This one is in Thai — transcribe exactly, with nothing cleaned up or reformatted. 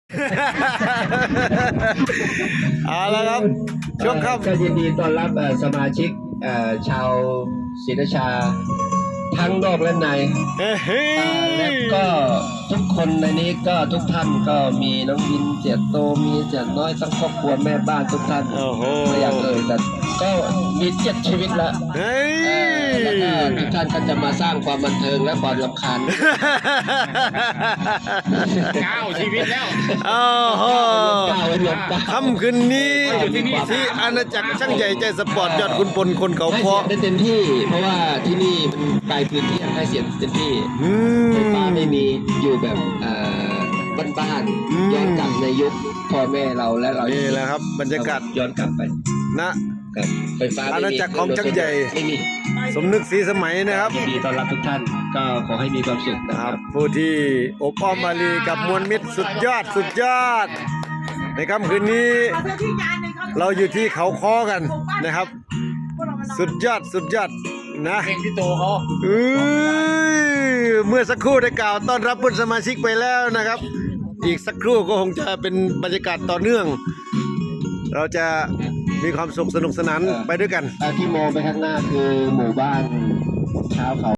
เอาละครับช่วงค่ำก็ยินดีต้อนรับสมาชิกชาวศรีราชาทั้งนอกและในและก็ทุกคนในนี้ก็ทุกท่านก็มีน้องวินเจียโตมีเจียน้อยทั้งครอบครัวแม่บ้านทุกท่านไม่อยากเอ่ยแต่ก็มีเจ็ดชีวิตแล้วแล้วก็ทุกท่านก็จะมาสร้างความบันเทิงและความรำคาญเก้าชีวิตแล้วโอ้โหเก้าไว้รวมเก้าค่ำคืนนี้ที่อาณาจักรช่างใหญ่ใจสปอร์ตยอดคุณพลคนเขาให้เพาะเสียงได้เต็มที่ เพราะว่าที่นี่มันไกลพื้นที่ให้เสียงเต็มที่ไฟฟ้าไม่มีอยู่แบบบ้านๆย้อนกลับในยุคพ่อแม่เราและเรานี่แหละครับบรรยากาศย้อนกลับไปนะกับไฟฟ้าอาณาจักรของช่างใหญ่ไม่มีสมนึกศรีสมัยนะครับยินดีต้อนรับทุกท่านก็ขอให้มีความสุขนะคครัรับบ ผู้ที่อบอ้อมมาลีกับมวลมิตรสุดยอดสุดยอด ในค่ำคืนนี้ เราอยู่ที่เขาคอกันนะครับ สุดยอดสุดยอดนะเพลงพี่โตเขาเอ้ยเมื่อสักครู่ได้กล่าวต้อนรับเพื่อนสมาชิกไปแล้วนะครับ อีกสักครู่ก็คงจะเป็นบรรยากาศต่อเนื่อง เราจะมีความสุขสนุกสนานไปด้วยกันที่มองไปข้างหน้าคือหมู่บ้านชาวเขา